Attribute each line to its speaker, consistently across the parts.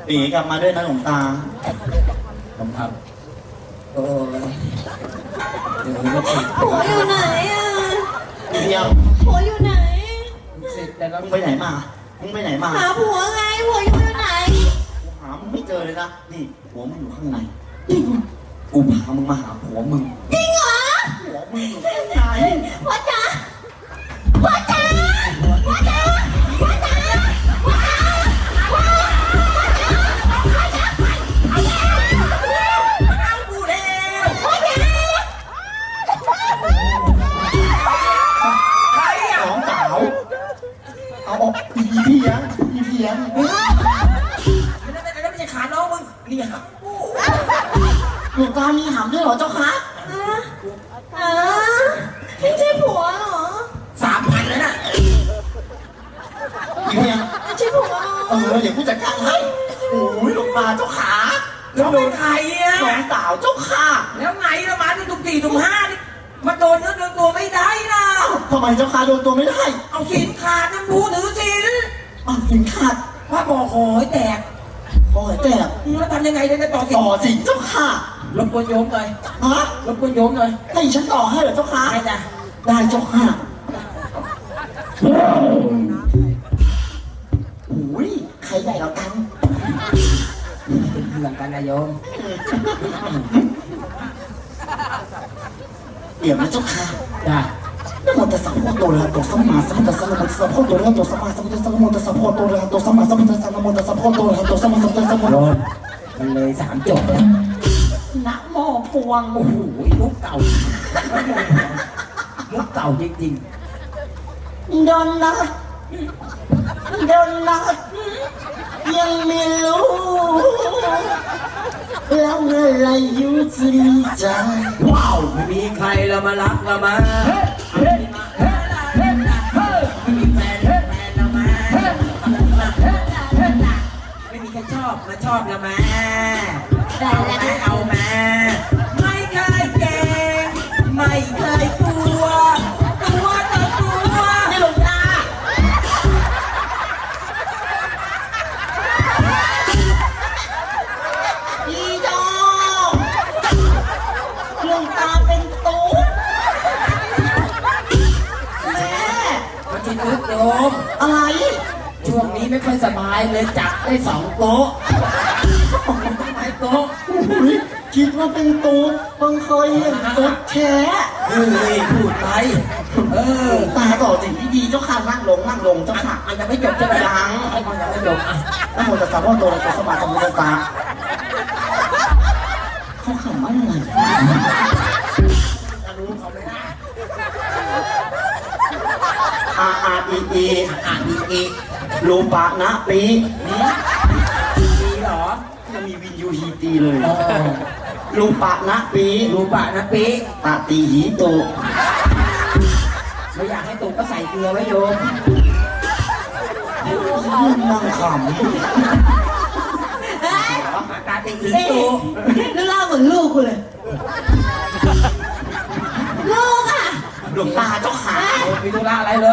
Speaker 1: ปีกลับมาด้วยนะหลวงตาผมครับโอ้ย
Speaker 2: ผัวอยู่ไหนอ่ะ
Speaker 1: เดียว
Speaker 2: ผัวอยู่ไหน
Speaker 1: เสร็จแต่แล้วมึงไปไหนมา
Speaker 2: หาผัวไงผัวอยู่ไหน
Speaker 1: หามึงไม่เจอเลยนะนี่ผัวมึงอยู่ข้างในกูพามึงมาหาผัวมึง
Speaker 2: จริงเหรอ
Speaker 1: ผัวมึงอยู่ข้างใน
Speaker 2: พ่อจ๋าพ่อจ๋าพ่อจ๋าพ่อจ๋าพ่อจ๋าเอากูแล้วพ่อจ๋า
Speaker 1: ใครอ่ะน้องสาวเอาออกอีเพียง
Speaker 3: แล้วไม่ใช่ขาน้องมึงนี่หำกู
Speaker 1: หลวงตามีหำด้วยเหรอเจ้าคะ
Speaker 2: ไม่ใช่ผัวเหรอ
Speaker 3: 3,000แล้วน่ะ
Speaker 1: อีเพียง
Speaker 2: ไม่ใช่ผัว
Speaker 1: เดี๋ยวกูจัดการให้โอ้ยหลวงตาเจ้าขา
Speaker 3: แล้วเป็นใครอ่ะ
Speaker 1: น้องสาวเจ้าค่ะ
Speaker 3: แล้วไงละมาที่ตุ่ม4 ตุ่ม 5นี่มาโดนเนื้อโดนตัวไม่ได้นะ
Speaker 1: ทำไมเจ้าค่ะโดนตัวไม่ได้
Speaker 3: เอาสินขาดนั่นผู้ถือสิน
Speaker 1: สินขาด
Speaker 3: ว่าบ่อหอยแตกแล้วทำยังไงได้ต่อ
Speaker 1: สิเจ้าค่ะ
Speaker 3: รบกวนโยมหน่อยรบกวนโยมหน่อย
Speaker 1: ให้ฉันต่อให้เหรอเจ้าค่ะ
Speaker 3: ได้จ้ะ
Speaker 1: ได้เจ้าค่ะโอ้ยใครใหญ่กว่ากัน
Speaker 3: เป็นเพื่อนกันนะโยม
Speaker 1: เดี๋ยวนะเจ้าค่ะ
Speaker 3: จ้ะ
Speaker 1: นะโมตัสสะภะคะวะโตอะระหะโตสัมมาสัมพุทธัสสะนะโมตัสสะภะคะวะโตอะระหะโตสัมมาสัมพุทธัสสะนะโมตัสสะภะคะวะโตอะระหะโตสัมมาสัมพุทธัสสะนะโมตัสสะภะคะวะโตอะระหะโตสัมมาสัมพุทธัสสะโยม
Speaker 3: มันเลย3 จบแล้ว
Speaker 1: นะโมพวง
Speaker 3: โอ้โหมุกเก่าจริง
Speaker 1: ๆโดนนะยังไม่รู้แล้วเมื่อไรอยู่จะดีใจ
Speaker 3: ว้าวไม่มีใครเรามารักเรามาไม่มีแฟนเรามาไม่มีใครชอบมาชอบเรามาเอามาไม่เคยเก่งไม่เคยกลัวต่อตัว
Speaker 1: นี่หลวงตาอีดอกหลวงตาเป็นตุ๊กแม่
Speaker 3: มาชิลุกโยม
Speaker 1: อะไร
Speaker 3: ช่วงนี้ไม่ค่อยสบายเลยจับได้2 โต๊ะโต๊ะ
Speaker 1: คิดว่าเป็นตุ๊กเพิ่งเคยเห็นตุ๊กแท้
Speaker 3: พูดไป
Speaker 1: ตาต่อสิ่งที่ดีเจ้าค่ะนั่งลงเจ้าค่ะ
Speaker 3: มันจะไม่จบใช่ไหม
Speaker 1: ยัง
Speaker 3: ไม่จบ
Speaker 1: นะโมตัสสะภะคะวะโตอะระหะโตสัมมาสัมพุทธัสสะเขาขำอะไร
Speaker 3: จะรู้เขาไม่ได้
Speaker 1: อีรูปะนะปี
Speaker 3: เหรอ
Speaker 1: จะมีวินยูฮีตีเลยรูปะนะปีตาตีหีโต
Speaker 3: ไม่อยากให้ตุกก็ใส่เกลือไว้โยม
Speaker 1: นั่งขำ
Speaker 3: ตาตีหีโต
Speaker 2: แล้วเล่าเหมือนลูกกูเลยลูกอ่ะ
Speaker 1: หลวงตาเจ้าขา
Speaker 3: มีธุระอะไรเหรอ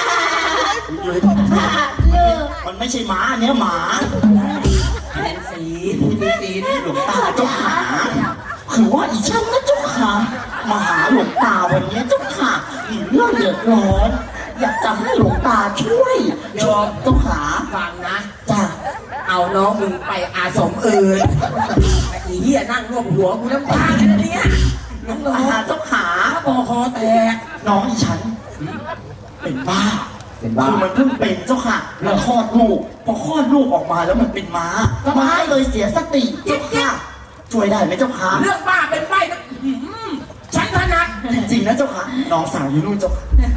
Speaker 1: มันไม่ใช่หมาเนี้ยหมา
Speaker 3: เป็นสี
Speaker 1: หลวงตาเจ้าขาคือว่าอีช่างนะเจ้าขามาหาหลวงตาวันนี้เจ้าขามีเรื่องเดือดร้อนอยากจะให้หลวงตาช่วย
Speaker 3: โยม
Speaker 1: เจ้าขา
Speaker 3: ฟังนะ
Speaker 1: จ้ะ
Speaker 3: เอาน้องมึงไปอาสมอื่นไอ้เหี้ยนั่งรวบหัวกูน้ำตาเลยนะเนี่ย
Speaker 1: น้องเจ้าขา
Speaker 3: คอแตก
Speaker 1: น้องอีฉันเป็นบ้าคือมันเพิ่งเป็นเจ้าค่ะแล้วคลอดลูกพอคลอดลูกออกมาแล้วมันเป็นม้าเลยเสียสติเจ้าค่ะช่วยได้ไหมเจ้าค่ะ
Speaker 3: เรื่องบ้าเป็นใบนะฉันถนัด
Speaker 1: จริงๆนะเจ้าค่ะน้องสาวอยู่นู่นเจ้า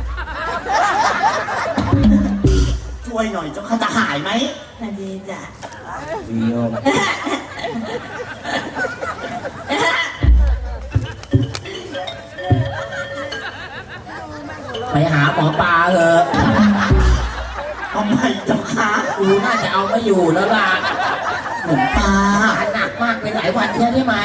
Speaker 1: ช่วยหน่อยเจ้าค่ะจะหายไหม
Speaker 2: ดีจ้ะ
Speaker 3: ไปหาหมอปลาเถอะ
Speaker 1: ทำไมเจ้าคะ
Speaker 3: กูน่าจะเอาไม่อยู่แล้วล่ะ
Speaker 1: หลวงตา
Speaker 3: หนักมากไปหลายวันใช่ไหม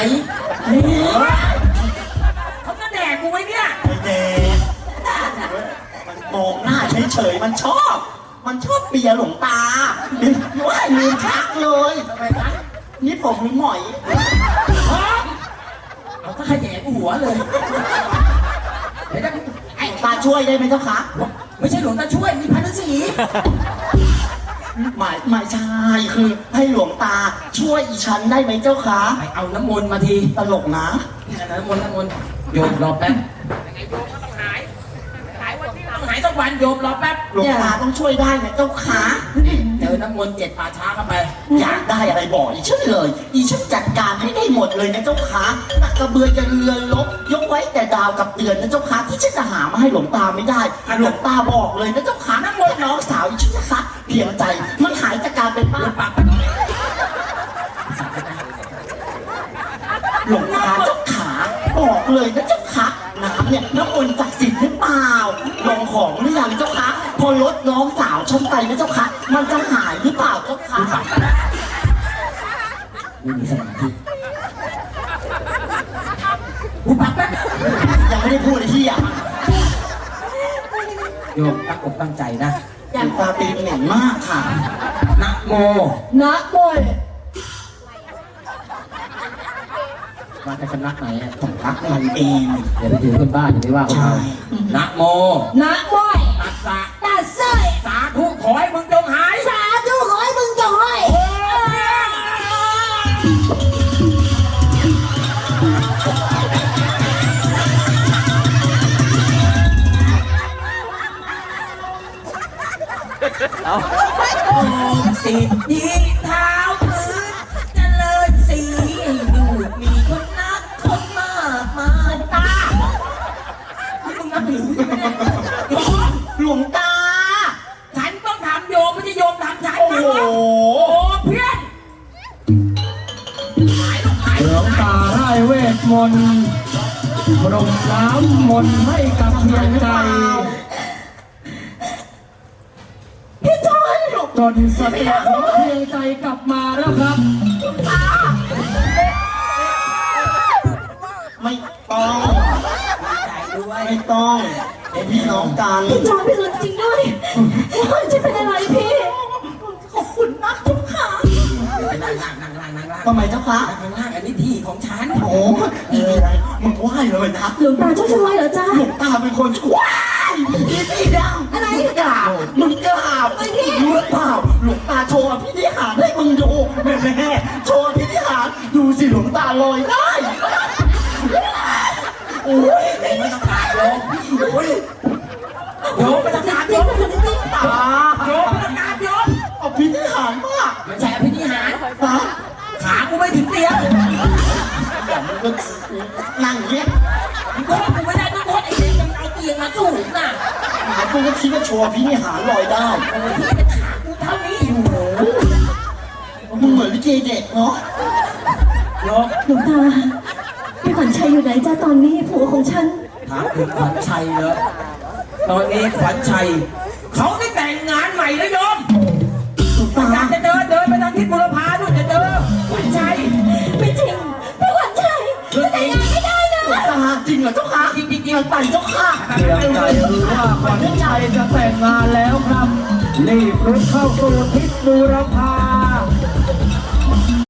Speaker 3: เขาจะแดกกูไว้เนี่ย
Speaker 1: ไม่แดกมันมองหน้าเฉยๆมันชอบเปียหลวงตาว่าลืมทักเลยนี่ผมหรือหมอย
Speaker 3: เอาถ้าขยงหัวเลยเดี๋ยวจะไอ้
Speaker 1: ตาช่วยได้ไหมเจ้าคะ
Speaker 3: ไม่ใช่หลวงตาช่วยมีพันธุ์สี
Speaker 1: ไม่ใช่คือให้หลวงตาช่วยอีฉันได้ไหมเจ้าคะ
Speaker 3: ไปเอาน้ำมนต์มาที
Speaker 1: ตลกนะ
Speaker 3: น้ำมนต์โยมรอแป๊บหายสักวันโยมรอแป๊บ
Speaker 1: หลวงตาต้องช่วยได้นะเจ้าคะ
Speaker 3: เจอน้ำมนต์7 ป่าช้าเข้าไป
Speaker 1: อยากได้อะไรบอกอีฉันเลย อีฉันจัดการให้ได้หมดเลยนะเจ้าคะนักกระเบือจะเรือลบยกไว้แต่ดาวกับเดือนนะเจ้าคะที่ฉันจะหามาให้หลวงตาไม่ได้หลวงตาบอกเลยนะเจ้าคะน้ำมนต์น้องสาวอีฉันนะคะเพียงใจมันหายจากการเป็นบ้า
Speaker 3: ปาก
Speaker 1: หลวงตาเจ้าขาบอกเลยนะเจ้าคะน้ำเนี่ยน้ำมนต์ศักดิ์สิทธิ์หรือเปล่าลองของหรือยังเจ้าคะพอลดน้องสาวฉันไปนะเจ้าคะมันจะหายหรือเปล่าเจ้าคะ
Speaker 3: ไม่มีสมาธิกูปักแป๊บ
Speaker 1: ยังไม่ได้พูดเลยที่อ่ะ
Speaker 3: โยมตั้งอกตั้งใจนะ
Speaker 1: หลวงตาตีเหม็นมากค่ะ
Speaker 3: นะโม
Speaker 2: นะโมย
Speaker 3: มาจากสำนักไหนอ่ะ
Speaker 1: ผมรักมันเอง
Speaker 3: เดี๋ยวไปถือขึ้นบ้านอย่าไปว่าเขา
Speaker 1: ใช่
Speaker 3: นะโม
Speaker 2: นะโมย
Speaker 3: ตัสสะ
Speaker 2: ตาเสย
Speaker 3: สาธุขอให้มึงจงหาย
Speaker 2: สาธุขอให้มึงจงให้
Speaker 3: โอ้สิทธิเท้าพื้นเจริญสีดูมีคนนักคนมากมายตามึงนับถือใช่ไหมเนี่ยโยม
Speaker 1: หลวงตา
Speaker 3: ฉันต้องทำโยมไม่ใช่โยมทำฉัน
Speaker 1: โอ้โห
Speaker 3: โอ้เพื่อนหายลูกหาย
Speaker 4: หลวงตาไร้เวทมนต์ปรมน้ำมนต์ให้กับเพียงใจ
Speaker 1: พี่จอย
Speaker 4: จนสติของเพียงใจกลับมาแล้วครับ
Speaker 1: ไม่ต้อง
Speaker 3: ใจด้วย
Speaker 1: ไม่ต้องเป็นพี่น้องกัน
Speaker 2: พี่จอยพี่สุดจริงด้วยว่าจะเป็นอะไรพี่
Speaker 1: ขอบคุณมากทุกค่ะ
Speaker 3: ไปนั่งล่าง
Speaker 1: ทำไมเจ้าคะ
Speaker 3: ข้างล่างอันนี้ที่ของฉัน
Speaker 1: โอ้มีอะไรมึงไหวเลยนะ
Speaker 2: หลวงตาเจ้าช่วยเหรอจ๊ะ
Speaker 1: หลวงตาเป็นคนช่วยพี่ดัง
Speaker 2: อะไร
Speaker 1: มึงกราบมึงกราบรู้หรือเปล่าหลวงตาโชว์พิธีหารให้มึงดูแม่โชว์พิธีหารดูสิหลวงตาลอยได้โอ้ย
Speaker 3: ไม่ต้องการโยม
Speaker 1: โอ้ย
Speaker 3: โยมไม่ต้องการโยม
Speaker 1: ตา
Speaker 3: โยมไม่ต้องการโยม
Speaker 1: เอาพิธีหารมาก
Speaker 3: ไม่ใช่อภินิหาร
Speaker 1: ฮะ
Speaker 3: ขากูไม่ถึงเตียง
Speaker 1: เดี๋ยวมึงก็นั่งเงี้ย
Speaker 3: มึงโทษกูไม่ได้ต้องโทษไอ้เด็กมันเอาเตียงมาสู้น่ะ
Speaker 1: มึงก็คิดว่าโชว์พิธีหารลอยได้
Speaker 3: โอ้ยที่เป็นขากูเท่านี้อยู่
Speaker 1: มึงเหมือนลิเกเด็กเนาะ
Speaker 3: โยม
Speaker 2: หลวงตาพี่ขวัญชัยอยู่ไหนจ้าตอนนี้ผัวของฉัน
Speaker 3: ถามถึงขวัญชัยเหรอตอนนี้ขวัญชัยเขาได้แต่งงานใหม่แล้วโยม
Speaker 1: หลวงตา
Speaker 3: อยากจะเดินไปทางทิศบุรพาด้วยจะเจอขวัญชัย
Speaker 2: ไม่จริงพี่ขวัญชัยจะแต่งงานไม่ได้นะ
Speaker 1: หลวงตาจริงเหรอเจ้าค่ะจริงๆไต่เจ้าค่ะ
Speaker 4: เพียงใจรู้ว่าขวัญใจจะแต่งงานแล้วครับ รีบรุดเข้าสู่ทิศบูรพา